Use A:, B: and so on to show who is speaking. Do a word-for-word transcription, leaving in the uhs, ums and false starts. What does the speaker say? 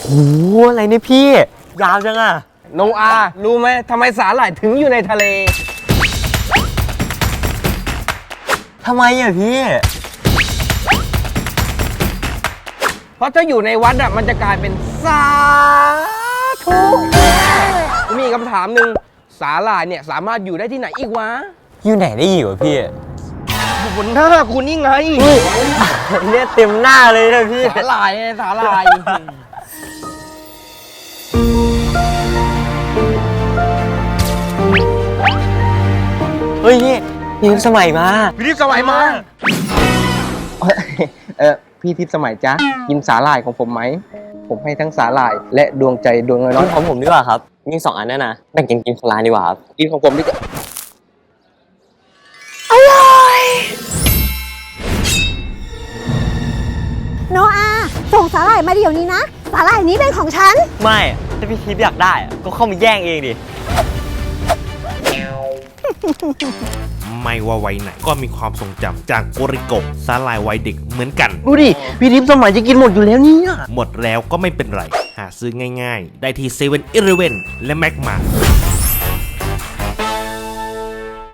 A: โหอะไรเนี่ยพี่ยาวจังอะ
B: โนอารู้ไหมทำไมสาหร่ายถึงอยู่ในทะเล
A: ทำไมอะพี่
B: เพราะถ้าอยู่ในวัดอ่ะมันจะกลายเป็นสาธุมีคำถามหนึ่งสาหร่ายเนี่ยสามารถอยู่ได้ที่ไหนอีกวะ
A: อยู่ไหนได้อยู่อะพี่
B: อยู่บนหน้าคุณนี่ไง
A: เนี่ยเต็มหน้าเลยนะพี่
B: สาหร่ายไงสาหร่าย
A: เฮ้ยนี่ยืมสมัยมา
B: พี่ทิพย์สมัยมาเออพี่ทิพย์สมัยจ๊ะกินสาหร่ายของผมไหมผมให้ทั้งสาหร่ายและดวงใจดวงน้
A: กิ
B: อย
A: นของผมดีกว่าครับมีสองอันนั่นนะแบ่งกันกินคนละอันดีกว่าครับ
B: ๆกินของผมดีกว่า
C: โนอาส่งสาหร่ายมาเดี๋ยวนี้นะสาหร่ายนี้เป็นของฉัน
A: ไม่ถ้าพี่ทิพย์อยากได้อะก็เข้ามาแย่งเองดิ
D: ไม่ว่าวัยไหนก็มีความทรงจำจากโกริโกะสาหร่ายวัยเด็กเหมือนกัน
B: ดูดิพี่ทิพย์สมัยจะกินหมดอยู่แล้วเนี่ย
D: หมดแล้วก็ไม่เป็นไร หาซื้อง่ายๆ ได้ที่เซเว่นอีเลฟเว่นและแม็กมา